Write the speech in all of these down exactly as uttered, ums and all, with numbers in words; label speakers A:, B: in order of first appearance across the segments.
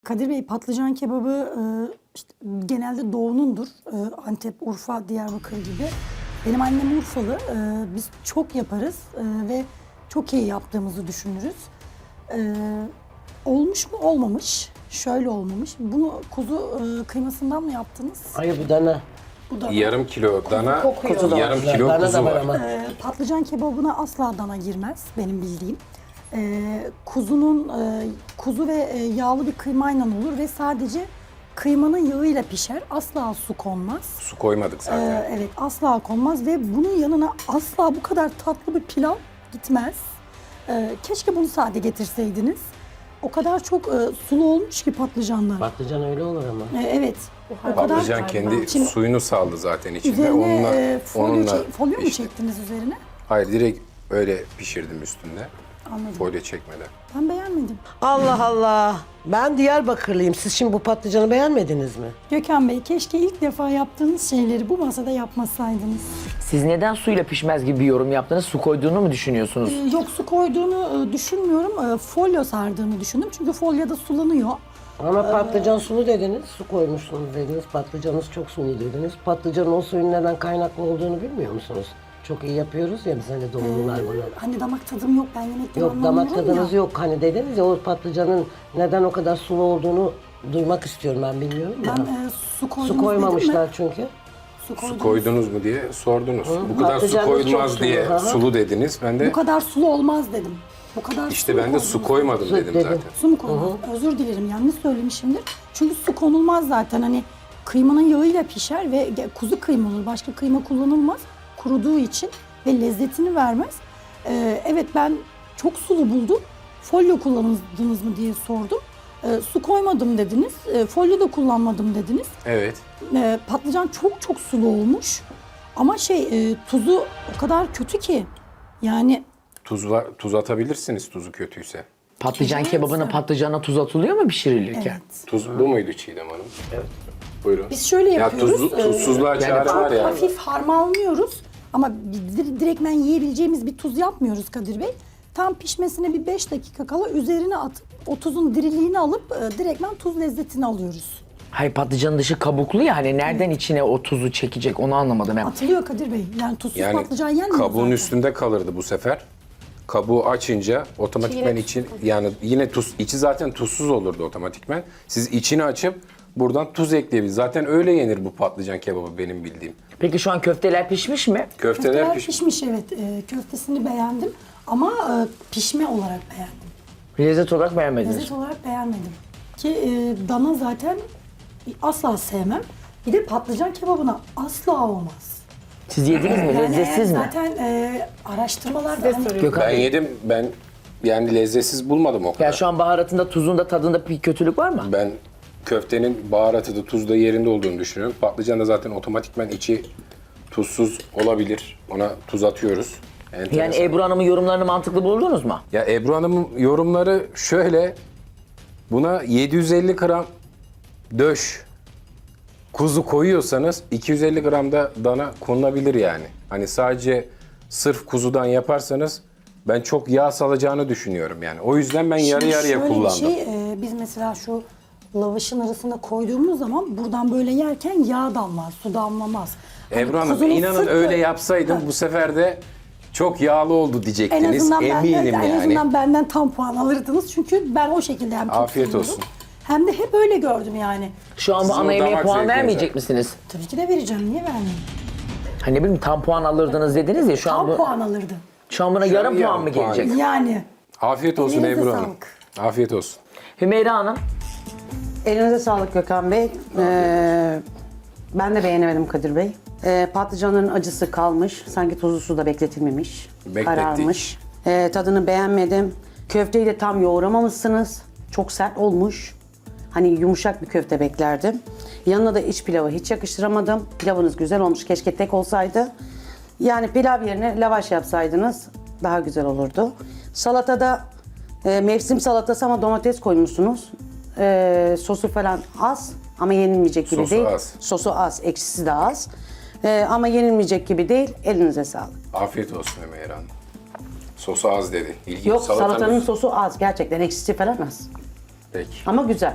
A: Kadir Bey, patlıcan kebabı e, işte genelde doğunundur. E, Antep, Urfa, Diyarbakır gibi. Benim annem Urfalı. E, biz çok yaparız e, ve çok iyi yaptığımızı düşünürüz. E, olmuş mu? Olmamış. Şöyle olmamış. Bunu kuzu e, kıymasından mı yaptınız?
B: Hayır bu dana.
A: Bu da
C: Yarım kilo dana,
A: kokuyor.
B: Kuzu da
C: yarım
B: var.
C: kilo
B: Dana da
C: kuzu
B: var
C: var.
B: ama.
A: E, patlıcan kebabına asla dana girmez benim bildiğim. E, kuzunun e, kuzu ve e, yağlı bir kıymayla olur ve sadece kıymanın yağıyla pişer. Asla su konmaz.
C: Su koymadık zaten.
A: E, evet, asla konmaz ve bunun yanına asla bu kadar tatlı bir pilav gitmez. E, keşke bunu sade getirseydiniz. O kadar çok e, sulu olmuş ki patlıcanlar.
B: Patlıcan öyle olur ama.
A: E, evet. O kadar
C: Patlıcan kendi
A: Şimdi
C: suyunu saldı zaten içinde.
A: üzerine
C: Onunla,
A: e, folyo,
C: onunla
A: çek- folyo mu
C: pişti.
A: çektiniz üzerine?
C: Hayır, direkt öyle pişirdim üstünde.
A: Anladım.
C: Folyo çekmeden.
A: Ben beğenmedim.
B: Allah Allah. Ben Diyarbakırlıyım. Siz şimdi bu patlıcanı beğenmediniz mi?
A: Gökhan Bey, keşke ilk defa yaptığınız şeyleri bu masada yapmasaydınız.
D: Siz neden suyla pişmez gibi bir yorum yaptınız? Su koyduğunu mu düşünüyorsunuz?
A: Ee, Yok, su koyduğunu e, düşünmüyorum. E, Folyo sardığını düşündüm. Çünkü folyoda sulanıyor.
B: Ama patlıcan sulu dediniz, su koymuşsunuz dediniz. Patlıcanınız çok sulu dediniz. Patlıcanın o suyun neden kaynaklı olduğunu bilmiyor musunuz? Çok iyi yapıyoruz ya biz hani doğumlular bunu.
A: Hani damak tadım yok, ben yemekten
B: Yok damak
A: anlamıyorum
B: tadınız
A: ya.
B: yok. Hani dediniz ya o patlıcanın neden o kadar sulu olduğunu duymak istiyorum ben bilmiyorum
A: Ben
B: da.
A: e, su koydunuz
B: Su
A: dedim
B: koymamışlar
A: mi?
B: çünkü.
A: Su,
C: Su
A: koydunuz.
C: koydunuz mu diye sordunuz. Bu kadar su
B: patlıcanınız çok
C: koyulmaz
B: sulu,
C: diye
B: hı hı.
C: sulu dediniz. Ben de
A: Bu kadar sulu olmaz dedim. Bu kadar
C: işte
A: su
C: ben de
A: koydunuz.
C: su koymadım
B: Su
C: dedim
B: dedi.
C: zaten.
A: Su mu konulmaz? Özür dilerim, yanlış söylemişimdir. Çünkü su konulmaz zaten. Hani kıymanın yağıyla pişer ve ge- kuzu kıyma olur. Başka kıyma kullanılmaz. Kuruduğu için ve lezzetini vermez. Ee, evet, ben çok sulu buldum. Folyo kullandınız mı diye sordum. Ee, su koymadım dediniz. Ee, folyo da kullanmadım dediniz.
C: Evet.
A: Ee, patlıcan çok çok sulu olmuş. Ama şey e, tuzu o kadar kötü ki. Yani
C: Tuz var, tuz atabilirsiniz tuzu kötüyse.
D: Patlıcan
A: Güzel
D: kebabına
A: mesela.
D: patlıcana tuz atılıyor mu pişirilirken?
A: evet.
C: Tuz bu muydu Çiğdem Hanım? Evet. Buyurun.
A: Biz şöyle yapıyoruz.
C: Ya tuzlu, tuzsuzluğa çare var ya.
A: Hafif harmanlıyoruz ama dir- direktmen yiyebileceğimiz bir tuz yapmıyoruz Kadir Bey. Tam pişmesine bir beş dakika kala üzerine atıp o tuzun diriliğini alıp e, direktmen tuz lezzetini alıyoruz.
D: Hayır, patlıcanın dışı kabuklu ya, hani nereden içine o tuzu çekecek onu anlamadım hem.
A: Atılıyor Kadir Bey. Yani tuzsuz
C: Yani
A: patlıcan yenmiyor
C: kabuğun
A: zaten.
C: üstünde kalırdı bu sefer. Kabuğu açınca otomatikmen için yani yine tuz içi zaten tuzsuz olurdu otomatikmen. Siz içini açıp buradan tuz ekleyebilirsiniz. Zaten öyle yenir bu patlıcan kebabı benim bildiğim.
D: Peki şu an köfteler pişmiş mi?
C: Köfteler,
A: Köfteler
C: piş-
A: pişmiş, evet. E, köftesini beğendim ama e, pişme olarak beğendim.
D: Lezzet olarak beğenmediniz.
A: Lezzet olarak beğenmedim. Ki e, dana zaten asla sevmem. Bir de patlıcan kebabına asla olmaz.
D: Siz yediniz mi?
A: Yani
D: Lezzetsiz mi?
A: zaten e, araştırmalarda hani
D: Gökhan
C: Ben
D: Bey,
C: yedim. Ben yani lezzetsiz bulmadım o kadar.
D: ya şu an baharatında, tuzunda, tadında bir kötülük var mı?
C: Ben köftenin baharatı da tuz da yerinde olduğunu düşünüyorum. Patlıcan da zaten otomatikmen içi tuzsuz olabilir. Ona tuz atıyoruz. Enteresan.
D: Yani Ebru Hanım'ın yorumlarını mantıklı buldunuz mu?
C: Ya Ebru Hanım'ın yorumları şöyle. Buna yedi yüz elli gram döş kuzu koyuyorsanız iki yüz elli gram da dana konulabilir yani. Hani sadece sırf kuzudan yaparsanız ben çok yağ salacağını düşünüyorum yani. O yüzden ben yarı
A: Şimdi
C: yarıya
A: şöyle
C: kullandım.
A: bir şey, e, biz mesela şu lavaşın arasında koyduğumuz zaman buradan böyle yerken yağ damlar, su damlamaz. Hani
C: Ebru Hanım
A: kuzunun
C: inanın
A: sırtı-
C: öyle yapsaydım
A: Ha,
C: bu sefer de çok yağlı oldu
A: en
C: diyecektiniz.
A: azından
C: Eminim
A: benden,
C: yani.
A: en azından benden tam puan alırdınız çünkü ben o şekilde hem çok
C: Afiyet
A: seviyorum,
C: olsun.
A: hem de hep öyle gördüm yani.
D: Şu an bu
C: Sizin
D: ana
C: o
D: yemeğe
C: damak
D: puan
C: zevkinize.
D: vermeyecek misiniz?
A: Tabii ki de vereceğim, niye vermeyeyim?
D: Hani ne bileyim, tam puan alırdınız dediniz ya, şu an
A: Tam
D: bu,
A: puan alırdı.
D: şu an buna
C: Şu an
D: yarım puan
C: yarım
D: mı
C: puan.
D: gelecek?
A: Yani
C: Afiyet olsun
A: Elinize
C: Ebru Hanım.
A: sağlık.
C: Afiyet olsun.
D: Hümeyra Hanım,
E: Elinize sağlık Gökhan Bey. Ee, ben de beğenemedim Kadir Bey. Ee, patlıcanın acısı kalmış. Sanki tuzlu suda bekletilmemiş.
C: Beklettik.
E: Kararmış. Ee, tadını beğenmedim. Köfteyi de tam yoğuramamışsınız. Çok sert olmuş. Hani yumuşak bir köfte beklerdim. Yanına da iç pilavı hiç yakıştıramadım. Pilavınız güzel olmuş. Keşke tek olsaydı. Yani pilav yerine lavaş yapsaydınız daha güzel olurdu. Salatada e, mevsim salatası ama domates koymuşsunuz. E, sosu falan az ama yenilmeyecek gibi
C: Sosu
E: değil.
C: az.
E: Sosu az, ekşisi de az. E, ama yenilmeyecek gibi değil. Elinize sağlık.
C: Afiyet olsun Ömer Hanım. Sosu az dedi. İlginç.
E: Yok
C: Salatanın-
E: salatanın sosu az gerçekten ekşisi falan az.
C: Peki.
E: Ama güzel.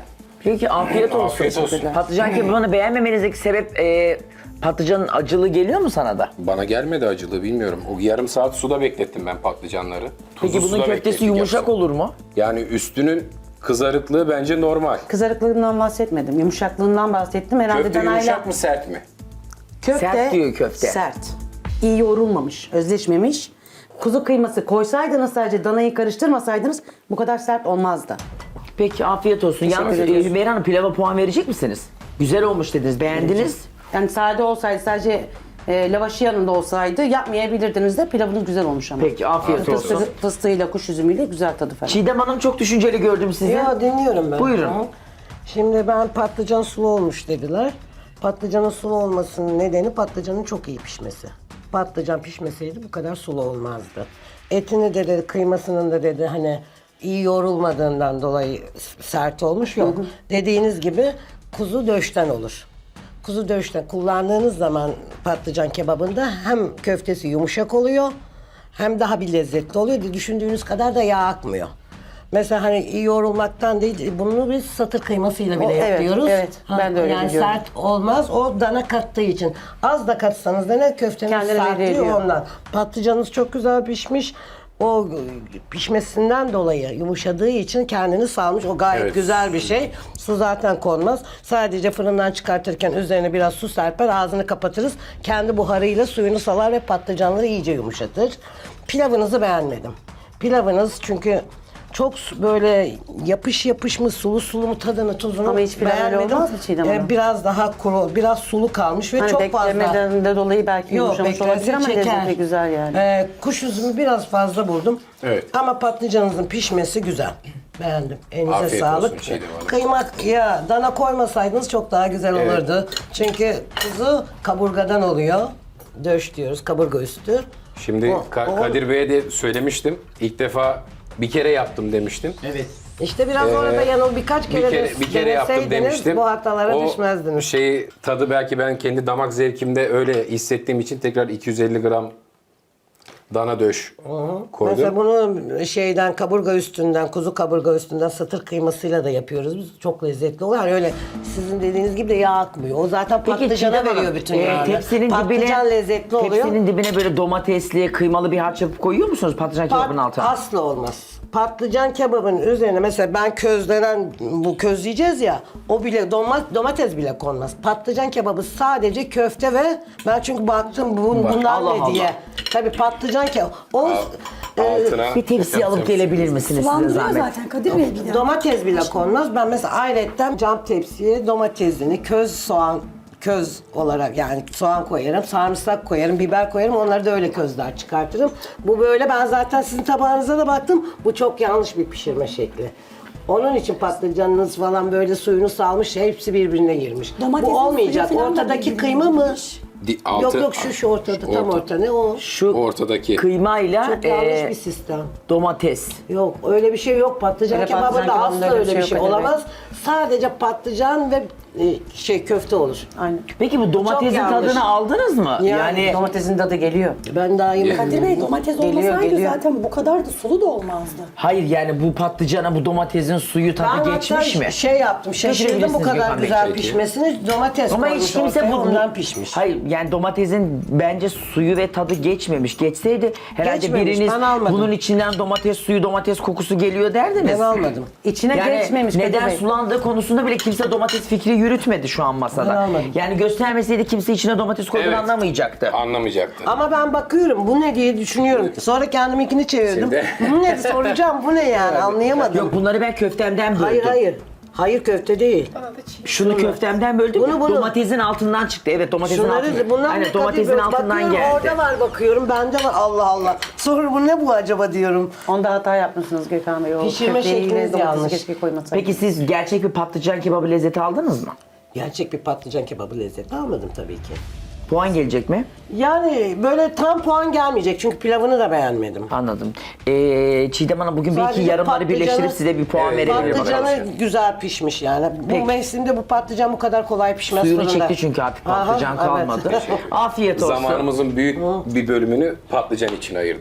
D: Peki afiyet olsun.
C: Afiyet olsun.
D: Patlıcan kebabını beğenmemenizdeki sebep e, patlıcanın acılığı geliyor mu sana da?
C: Bana gelmedi acılığı bilmiyorum. O yarım saat suda beklettim ben patlıcanları.
D: Peki
C: Tuzlu
D: bunun
C: suda
D: köftesi
C: beklettik
D: yumuşak
C: yapsın.
D: olur mu?
C: Yani üstünün kızarıklığı bence normal.
E: Kızarıklığından bahsetmedim. Yumuşaklığından bahsettim. Herhalde
C: Köfte
E: danayla
C: yumuşak mı sert mi?
E: köfte
D: Sert diyor köfte.
E: Sert. İyi yoğrulmamış, özleşmemiş. Kuzu kıyması koysaydınız, sadece danayı karıştırmasaydınız bu kadar sert olmazdı.
D: Peki afiyet olsun. Yalnız e,
E: ediyoruz.
D: Hümeyra Hanım pilava puan verecek misiniz? Güzel olmuş dediniz, beğendiniz.
E: Yani sade olsaydı, sadece e, lavaşı yanında olsaydı yapmayabilirdiniz de, pilavınız güzel olmuş ama.
D: Peki afiyet olsun.
E: Fıstığı, fıstığıyla, kuş üzümüyle güzel tadı falan.
D: Çiğdem Hanım çok düşünceli gördüm sizi.
B: Ya dinliyorum ben.
D: Buyurun.
B: Hı. Şimdi ben patlıcan sulu olmuş dediler. Patlıcanın sulu olmasının nedeni patlıcanın çok iyi pişmesi. Patlıcan pişmeseydi bu kadar sulu olmazdı. Etini de dedi, kıymasının da dedi hani iyi yoğrulmadığından dolayı sert olmuş yok. Dediğiniz gibi kuzu döşten olur. Kuzu döşten kullandığınız zaman patlıcan kebabında hem köftesi yumuşak oluyor hem daha bir lezzetli oluyor. Düşündüğünüz kadar da yağ akmıyor. Mesela hani iyi yoğrulmaktan değil, bunu biz satır kıymasıyla bile
E: O, evet,
B: yapıyoruz.
E: evet. Ben de öyle
B: Yani
E: biliyorum.
B: sert olmaz, o dana kattığı için. Az da katsanız da ne köfteniz
E: Kendine
B: sertliyor
E: veriyor.
B: ondan. Patlıcanınız çok güzel pişmiş. O pişmesinden dolayı yumuşadığı için kendini salmış. O gayet
C: Evet.
B: güzel bir şey. Su zaten konmaz. Sadece fırından çıkartırken üzerine biraz su serper, ağzını kapatırız. Kendi buharıyla suyunu salar ve patlıcanları iyice yumuşatır. Pilavınızı beğenmedim. Pilavınız çünkü çok su- böyle yapış yapış mı, sulu sulu mu, tadını, tuzunu
E: Ama hiç pilav öyle
B: beğenmedim.
E: olmaz mı Çiğdem Hanım?
B: Ee, biraz daha kuru, biraz sulu kalmış ve
E: Hani
B: çok fazla.
E: beklemeden de dolayı belki
B: Yok,
E: yumuşamış olabilir
B: beklese
E: ama
B: çeker.
E: lezzeti güzel yani.
B: Ee, kuş üzümü biraz fazla buldum.
C: Evet.
B: Ama patlıcanınızın pişmesi güzel. Beğendim. Elinize
C: Afiyet
B: sağlık.
C: olsun Çiğdem Hanım.
B: Kıymak ya dana koymasaydınız çok daha güzel
C: Evet.
B: olurdu. Çünkü kuzu kaburgadan oluyor. Döş diyoruz, kaburga üstü.
C: Şimdi
B: O-
C: Ka-
B: o-
C: Kadir Bey'e de söylemiştim. İlk defa bir kere yaptım demiştim.
B: İşte biraz orada yanıl birkaç
C: Bir
B: kere,
C: kere,
B: de
C: bir kere yaptım
B: deneseydiniz
C: demiştim.
B: bu hatalara
C: O
B: düşmezdiniz.
C: şeyi tadı belki ben kendi damak zevkimde öyle hissettiğim için tekrar iki yüz elli gram dana döş koydum.
B: Mesela bunu şeyden, kaburga üstünden, kuzu kaburga üstünden satır kıymasıyla da yapıyoruz biz. Çok lezzetli oluyor. Yani öyle sizin dediğiniz gibi de yağ akmıyor. O zaten patlıcana
D: Çiğdem Hanım,
B: veriyor bütün
D: e,
B: yağını.
D: tepsinin
B: Patlıcan
D: dibine,
B: lezzetli oluyor.
D: Tepsinin dibine böyle domatesli, kıymalı bir harç yapıp koyuyor musunuz patlıcan kebabının
B: Pat-
D: altına?
B: Asla olmaz. Patlıcan kebabının üzerine mesela ben közlenen, bu közleyeceğiz ya, o bile doma- domates bile konmaz. Patlıcan kebabı sadece köfte ve ben çünkü baktım bu,
C: Bak,
B: bunlar
D: Allah
B: ne
D: Allah.
B: diye. Tabii patlıcan kebabı. O e,
C: Altına
D: Bir tepsi alıp gelebilir misiniz size
A: Sulandırıyor
D: zahmet?
A: zaten Kadir Bey bir de.
B: domates bile konmaz. Ben mesela ayrıca cam tepsiye domatesini, köz soğan, köz olarak yani soğan koyarım, sarımsak koyarım, biber koyarım. Onları da öyle közler çıkartırım. Bu böyle, ben zaten sizin tabağınıza da baktım. Bu çok yanlış bir pişirme şekli. Onun için patlıcanınız falan böyle suyunu salmış, hepsi birbirine girmiş.
A: Domatesin
B: Bu olmayacak.
A: suyu falan da
B: Ortadaki
A: birbirine
B: kıyma mı?
A: girmiş.
C: Di- altı-
B: yok yok şu şu ortada, tam
C: orta.
B: orta. Ne o?
D: Şu
C: Ortadaki.
D: kıymayla
B: Çok yanlış
D: e,
B: bir sistem.
D: domates.
B: Yok öyle bir şey yok. Patlıcan
E: Öyle
B: kebabında
E: patlıcan kebabında
B: asla
E: öyle
B: öyle bir
E: bir şey
B: şey
E: yok,
B: olamaz. Sadece patlıcan ve e, şey köfte olur.
E: Aynen.
D: Peki bu domatesin
B: yanlış.
D: tadını aldınız mı?
B: Yani
E: Domatesin tadı geliyor.
B: Ben daha yemedim.
A: Kadir Bey domates
E: Geliyor,
A: olmasaydı
E: geliyor.
A: zaten bu kadar da sulu da olmazdı.
D: Hayır yani bu patlıcana bu domatesin suyu tadı
B: Ben
D: geçmiş
B: hatta
D: mi?
B: şey yaptım, şaşırdım bu
D: Götürebilirsiniz
B: kadar
D: Gökhan Bey.
B: güzel
C: Peki.
B: pişmesini. Domates
D: Ama
B: koymuş
D: hiç kimse
B: ortaya,
D: bu,
B: ondan pişmiş.
D: Hayır yani domatesin bence suyu ve tadı geçmemiş. Geçseydi herhalde
B: Geçmemiş,
D: biriniz
B: ben almadım.
D: bunun içinden domates suyu, domates kokusu geliyor derdiniz.
B: Ben almadım.
E: İçine
D: Yani
E: geçmemiş Kadir
D: neden
E: Bey.
D: sulandığı konusunda bile kimse domates fikri yürütmedi şu an
B: Ben
D: masada.
B: almadım.
D: Yani göstermeseydi kimse içine domates koyduğunu
C: Evet.
D: anlamayacaktı.
C: Anlamayacaktı.
B: Ama ben bakıyorum bu ne diye düşünüyorum. Sonra kendiminkini çevirdim.
C: Şimdi-
B: Bu ne soracağım, bu ne yani, anlayamadım.
D: Yok bunları ben köftemden böldüm.
B: hayır hayır. Hayır köfte değil.
D: Şunu köftemden böldüm.
B: Bunu, bunu.
D: Domatesin altından çıktı. Evet domatesin altından.
B: Şunları bunlar
D: Aynen
B: ne
D: domatesin
B: Kadir Bey?
D: altından
B: Bakıyorum,
D: geldi.
B: orada var bakıyorum, bende var, Allah Allah. Sonra bu ne bu acaba diyorum.
E: Onda hata yapmışsınız Gökhan Bey. O
B: Pişirme
E: köfteyi yine
B: şekliniz
E: domatesi
B: yanlış.
E: keşke koymasaydınız.
D: Peki siz gerçek bir patlıcan kebabı lezzeti aldınız mı?
B: Gerçek bir patlıcan kebabı lezzeti almadım tabii ki.
D: Puan gelecek mi?
B: Yani böyle tam puan gelmeyecek çünkü pilavını da beğenmedim.
D: Anladım. Ee, Çiğdem Hanım bugün belki
B: Sadece
D: yarımları
B: patlıcanı-
D: birleştirip size bir puan
C: Evet,
D: verebilir bakalım.
B: Patlıcanı güzel pişmiş yani.
D: Peki.
B: Bu mevsimde bu patlıcan bu kadar kolay pişmez
D: Suyunu
B: fırında.
D: çekti çünkü artık patlıcan
B: Aha,
D: kalmadı.
B: evet.
D: Afiyet olsun.
C: Zamanımızın büyük bir bölümünü patlıcan için ayırdık.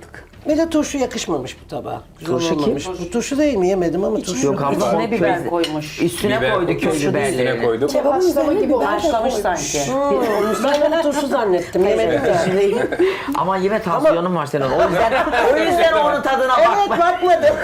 B: Bir de turşu yakışmamış bu tabağa. Güzel
D: Turşu kim?
B: olmamış. Bu turşu değil mi? Yemedim ama turşu.
D: Yok abla
E: İçine
D: o
E: biber
D: köz-
E: koymuş.
D: Üstüne
C: Biber
D: koydu köz
C: üstüne
D: biberlerini.
C: koyduk.
A: Kebabın
F: Haşlama
A: üzerine
F: gibi
A: biber
F: olmuş.
E: Haşlamış
A: koymuş.
E: sanki.
B: Hmm, ben onu turşu zannettim. Yemedim ya.
D: Ama yine tansiyonun var senin. O yüzden, o yüzden onun tadına
B: Evet
D: bakma.
B: bakmadım.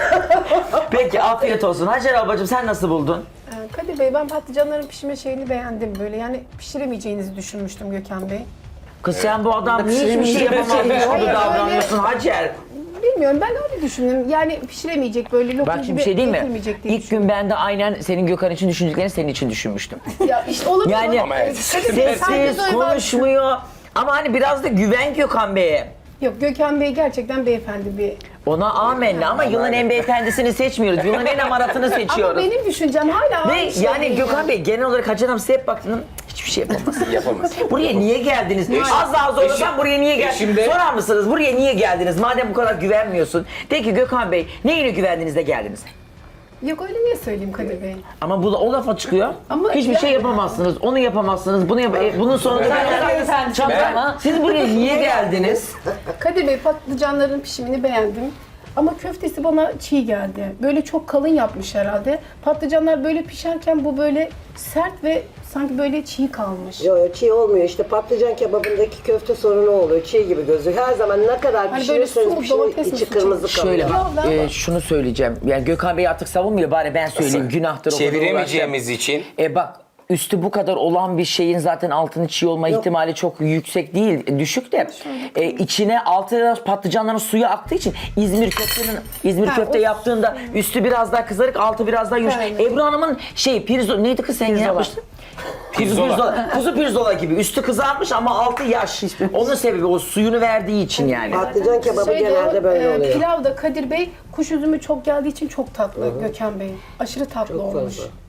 D: Peki afiyet olsun. Hacer ablacığım sen nasıl buldun?
F: Ee, Kadir Bey, ben patlıcanların pişme şeyini beğendim böyle. Yani pişiremeyeceğinizi düşünmüştüm Gökhan Bey.
D: Kız sen bu adam niye hiçbir şey yapamazmış
F: Hayır,
D: gibi
F: öyle-
D: davranıyorsun Hacer?
F: Bilmiyorum, ben öyle düşündüm. Yani pişiremeyecek, böyle lokum
D: Bak
F: gibi
D: şimdi bir şey değil mi?
F: getirmeyecek diye
D: İlk gün ben de aynen senin Gökhan için düşündüklerini senin için düşünmüştüm.
F: düşündüm. Ya işte olabilir.
D: Yani
F: ama- Kadir Bey, sen de
D: sessiz,
F: böyle var-
D: konuşmuyor. Ama hani biraz da güven Gökhan Bey'e.
F: Yok, Gökhan Bey gerçekten beyefendi bir...
D: Ona amenna ama yılın en beyefendisini seçmiyoruz. Yılın en amaratını
F: Ama
D: seçiyoruz.
F: benim düşüncem hala
D: Ve
F: aynı şey
D: yani
F: değil
D: Gökhan
F: yani.
D: Bey genel olarak Hacer Hanım size hep baktım hiçbir şey yapamaz.
C: Yapamaz.
D: Buraya niye geldiniz? Az daha zorlasam
C: eşim-
D: buraya niye geldiniz?
C: eşim de-
D: Sorar mısınız buraya niye geldiniz? Madem bu kadar güvenmiyorsun. De ki Gökhan Bey neyine güvendiniz de geldiniz?
F: Yok, öyle niye söyleyeyim Kadir Bey?
D: Ama bu da o lafa çıkıyor.
F: Ama
D: Hiçbir
F: ya-
D: şey yapamazsınız. Onu yapamazsınız. Bunu yap e, bunun sonunda
E: beyefendi
D: Çatla- Siz buraya niye geldiniz?
F: Kadir Bey, patlıcanların pişimini beğendim. Ama köftesi bana çiğ geldi. Böyle çok kalın yapmış herhalde. Patlıcanlar böyle pişerken bu böyle sert ve sanki böyle çiğ kalmış.
B: Yok yok çiğ olmuyor. İşte patlıcan kebabındaki köfte sorunu oluyor. Çiğ gibi gözüküyor. Her zaman ne kadar
F: Hani böyle
B: pişirirseniz
F: su,
B: pişirin
F: domates mi
B: içi
F: su
B: kırmızı
F: çekmiş?
B: kalıyor.
D: Şöyle bak,
F: Ya ben-
D: e, şunu söyleyeceğim. Yani Gökhan Bey artık savunmuyor. Bari ben söyleyeyim. Günahtır o kadar
C: Çeviremeyeceğimiz için
D: E bak üstü bu kadar olan bir şeyin zaten altının çiğ olma ihtimali çok yüksek değil, düşük de e, içine altı patlıcanların suyu aktığı için İzmir köftenin İzmir
F: Ha,
D: köfte
F: o-
D: yaptığında üstü biraz daha kızarık, altı biraz daha yumuşak.
F: Aynen.
D: Ebru Hanım'ın şey pirzola neydi kız sen ne yapmıştın?
C: Pirzola.
D: Pirzola. Kuzu pirzola gibi. Üstü kızarmış ama altı yaş. Onun sebebi o suyunu verdiği için yani.
B: Patlıcan kebabı
F: Şeyde
B: genelde
F: o,
B: böyle
F: e,
B: oluyor.
F: Pilav da Kadir Bey kuş üzümü çok geldiği için çok tatlı Gökhan Bey. Aşırı tatlı
B: Çok
F: olmuş.
B: fazla.